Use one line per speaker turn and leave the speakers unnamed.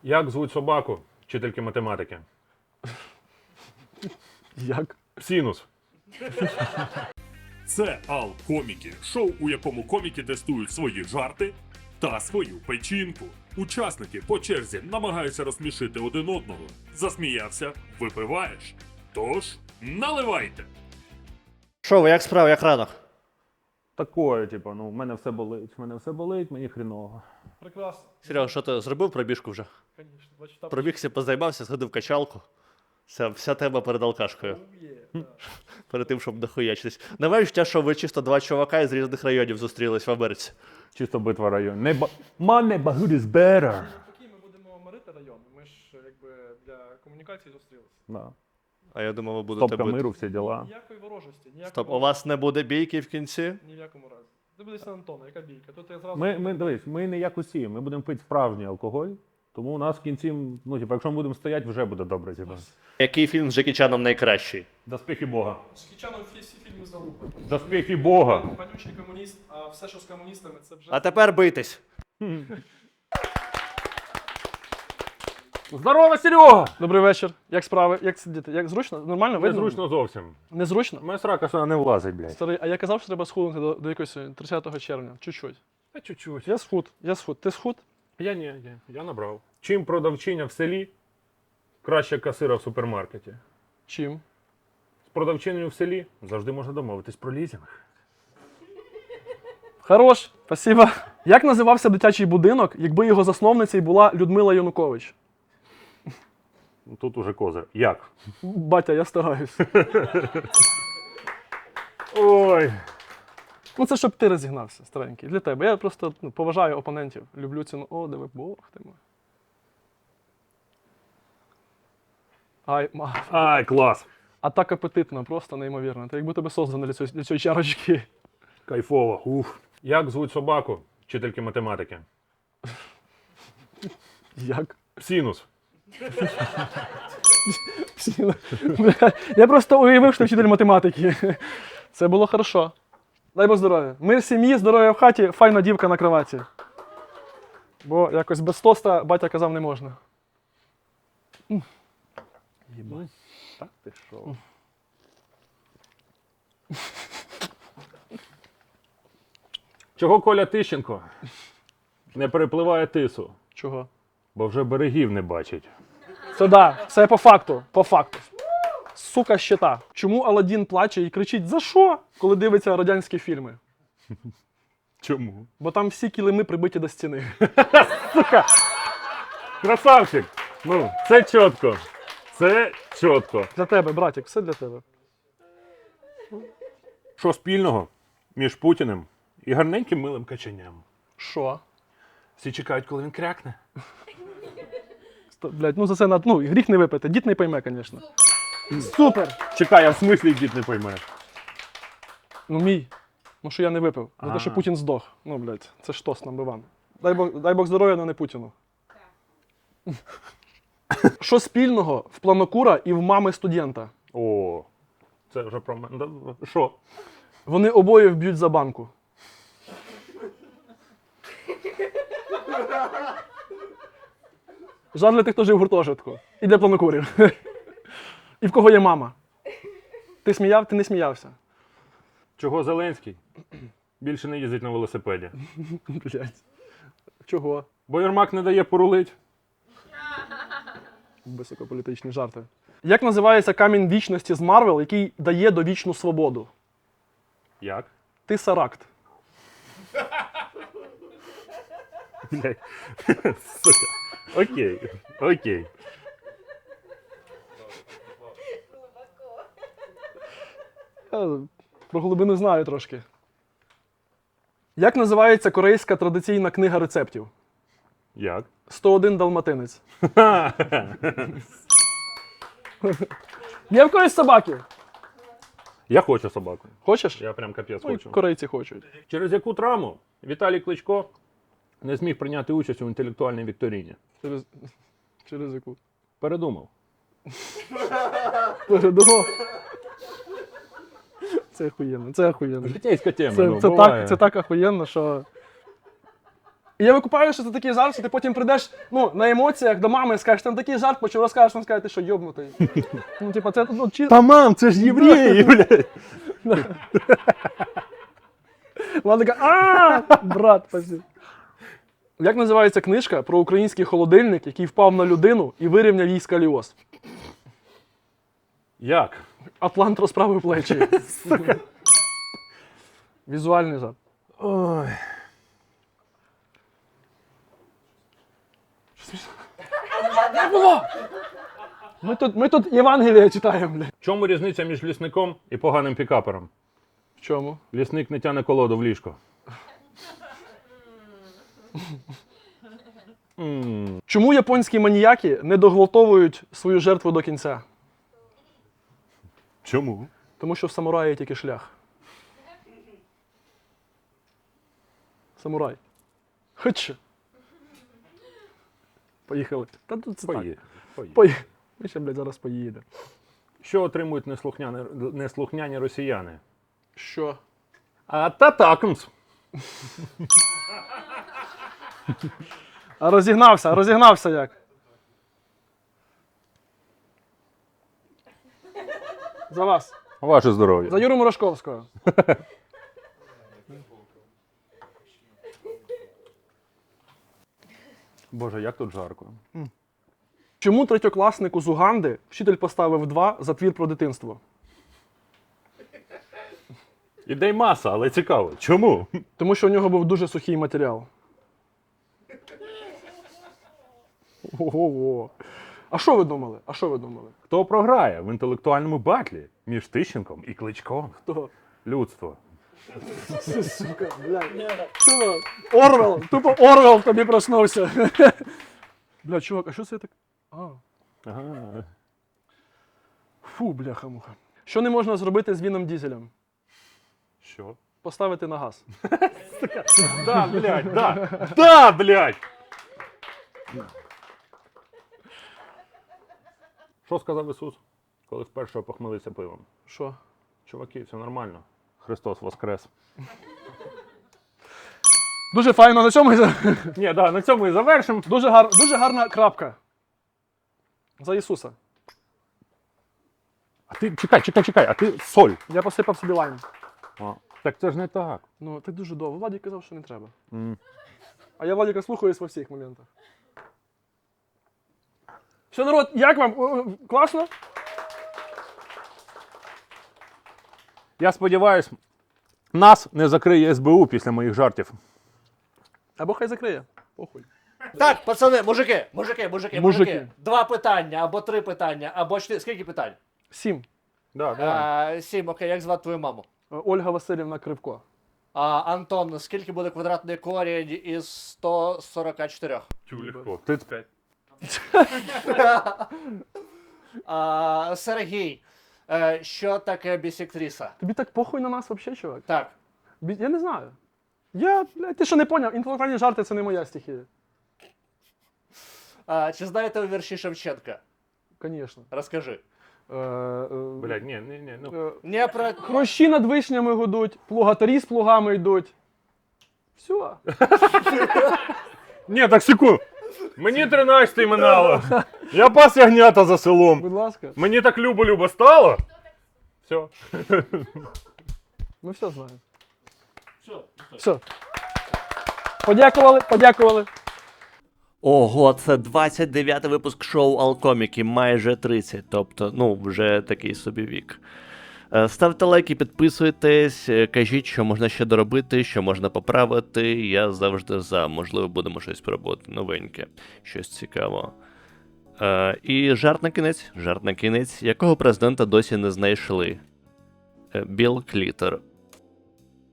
Як звуть собаку вчительки математики?
Як?
Синус.
Це Ал-коміки, шоу, у якому коміки тестують свої жарти та свою печінку. Учасники по черзі намагаються розсмішити один одного. Засміявся, випиваєш. Тож, наливайте!
Що ви, як справа, як ранок?
Такое, типу, в мене все болить, мені хріново.
Прекрасно.
Серега, що ти зробив пробіжку вже?
Звісно. Бачу, там
Пробігся, позаймався, сходив в качалку. Вся тема перед алкашкою. Перед тим, щоб дохуячитись. Немає відчуття, що ви чисто два чувака із різних районів зустрілись в Америці.
Чисто битва район. My neighborhood is better.
Такі ми будемо мирити район. Ми ж якби для комунікації зустрілися.
Да.
А я думав, ви будете
Стопка
бити.
миру, всі діла.
Ніякої ворожості, ніякої
Стоп, у вас не буде бійки в кінці?
ні в якому разі. Ти будеш на Антона, яка бійка? Тут я зразу...
Ми не як усі, ми будемо пити справжній алкоголь, тому у нас в кінці, якщо ми будемо стояти, вже буде добре. Типу.
Який фільм з Джекі Чаном найкращий?
Доспіхи Бога.
З Кічаном всі фільми залупи.
Доспіхи Бога.
Панючий комуніст, а все, що з комуністами, це вже...
А тепер бийтесь.
Здорово, Серега!
Добрий вечір. Як справи? Як сидіти? Як зручно? Нормально? Видно?
Незручно зовсім.
Незручно?
Моя срака сюди не влазить, блядь.
Старий, а я казав, що треба схуднути до якогось 30 червня. Чуть-чуть.
Та чуть-чуть.
Я схуд. Ти схуд?
Я набрав. Чим продавчиня в селі краще касира в супермаркеті?
Чим?
З продавчиною в селі завжди можна домовитись про лізинг.
Хорош, спасибо. Як називався дитячий будинок, якби його засновницею була Людмила Янукович?
Тут уже козир. Як?
Батя, я стараюсь.
Ой.
Ну це щоб ти розігнався, старенький. Для тебе. Я просто поважаю опонентів. Люблю ціну. О, диви, Бог ти мой.
Ай, клас.
А так апетитно, просто неймовірно. Ти якби тебе создано для цієї чарочки.
Кайфово. Ух. Як звуть собаку вчительки математики?
Як?
Синус.
Я просто уявив, що вчитель математики. Це було хорошо. Дай Бог здоров'я. Мир в сім'ї, здоров'я в хаті, файна дівка на кроваті. Бо якось без тоста батя казав не можна.
Єбать. Так ти що? Чого Коля Тищенко не перепливає тису?
Чого?
Бо вже берегів не бачить.
Це да, це по факту, по факту. Сука щита. Чому Аладдін плаче і кричить «За що?», коли дивиться радянські фільми?
Чому?
Бо там всі килими прибиті до стіни.
Красавчик! Це чітко. Це чітко.
Для тебе, братик, все для тебе.
Що спільного між Путіним і гарненьким милим каченням?
Що?
Всі чекають, коли він крякне.
Блять, за це гріх не випити. Дід не пойме, звісно. Супер!
Чекай, а в смислі дід не пойме.
Мій. Що я не випив. За те, що Путін здох. Блять, це ж тост number one. Дай Бог здоров'я, але не Путіну. Що спільного в планокура і в мами студента?
О, це вже про мене. Що?
Вони обоє вб'ють за банку. Жаль для тих, хто жив в гуртожитку. І для планокурів. І в кого є мама. Ти не сміявся.
Чого Зеленський більше не їздить на велосипеді?
Блять. Чого?
Бо Єрмак не дає порулить.
Високополітичні жарти. Як називається камінь вічності з Марвел, який дає довічну свободу?
Як?
Тесаракт.
Блядь. Сука. Окей.
Я про глибину знаю трошки. Як називається корейська традиційна книга рецептів?
Як?
101 далматинець. Є в когось собаки?
Я хочу собаку.
Хочеш?
Я прям капець
Ой,
хочу.
корейці хочуть.
Через яку травму Віталій Кличко не зміг прийняти участь у інтелектуальній вікторіні?
Через яку?
Передумав.
Передумав. Це охуєнно. Це охуєнно.
Житейська тема,
Це
буває.
так охуєнно, що... І я викупаю, що це такий жарт, що ти потім прийдеш на емоціях до мами і скажеш, там такий жарт, почав розкажеш, вона скаже, ти що, йобнутий. Типа, це
Та мам, це ж євреї, блядь.
Вона така, брат, спасибо. Як називається книжка про український холодильник, який впав на людину і вирівняв їй сколіоз?
Як?
Атлант розправив плечі. Візуальний жарт.
Ой.
Не було! Ми тут Євангеліє читаємо, бля.
В чому різниця між лісником і поганим пікапером?
В чому?
Лісник не тяне колоду в ліжко.
Чому японські маніяки не доглотовують свою жертву до кінця?
Чому?
Тому що в самураї тільки шлях. Самурай. Хоч. Поїхали. Та тут це так.
Поїхали.
Ми ще, блядь, зараз поїдемо.
Що отримують неслухняні росіяни?
Що?
Ататакмс.
А розігнався як? За вас.
Ваше здоров'я.
За Юру Морошковського.
Боже, як тут жарко.
Чому третьокласнику з Уганди вчитель поставив 2 за твір про дитинство?
Ідей маса, але цікаво. Чому?
Тому що у нього був дуже сухий матеріал. Ого. А що ви думали?
Хто програє в інтелектуальному батлі між Тищенком і Кличком?
Хто?
Людство.
Сука, блядь. Тупо Орвел тобі проснувся. Бля, чувак, а що це так?
Ага.
Фу, бляха-муха. Що не можна зробити з Віном Дізелем?
Що?
Поставити на газ.
Да, блядь, да. Да, блядь! Що сказав Ісус, коли вперше опохмелився пивом?
Що?
Чуваки, все нормально. Христос воскрес.
Дуже файно, на цьому
Ні, да, на цьому і завершимо.
дуже гарна крапка. За Ісуса.
А ти, чекай, а ти соль.
Я посипав собі лайм.
Так це ж не так.
Ну, так дуже довго. Владик казав, що не треба. А я Владика слухаюсь во всіх моментах. Що, народ, як вам? Класно?
Я сподіваюсь, нас не закриє СБУ після моїх жартів.
Або хай закриє. Похуй.
Так, пацани, мужики.
Мужики.
2 питання, або 3 питання, або 4. Скільки питань?
7.
Да.
7, окей, як звати твою маму?
Ольга Васильівна Кривко.
Антон, скільки буде квадратний корінь із 144?
Легко. 35.
Сергій, що таке бісектриса?
Тобі так похуй на нас взагалі, чувак?
Так.
Я не знаю. Ти що не поняв? Інтелектуальні жарти це не моя стихія.
Чи знаєте ви вірші Шевченка?
Звісно.
Розкажи.
Блядь, ні. Ну.
Не про...
Хрущі над вишнями гудуть, плугатарі з плугами йдуть. Все.
Ні, так секунду. Мені 13 минало. Я пас ягнята за селом.
Будь ласка.
Мені так любо-любо стало. Все.
Ми все знаємо. Все. Подякували.
Ого, це 29-й випуск шоу Алкоміки, майже 30, тобто, вже такий собі вік. Ставте лайки, підписуйтесь, кажіть, що можна ще доробити, що можна поправити. Я завжди за. Можливо, будемо щось пробувати новеньке, щось цікаве. І жарт на кінець, якого президента досі не знайшли. Білл Клітер.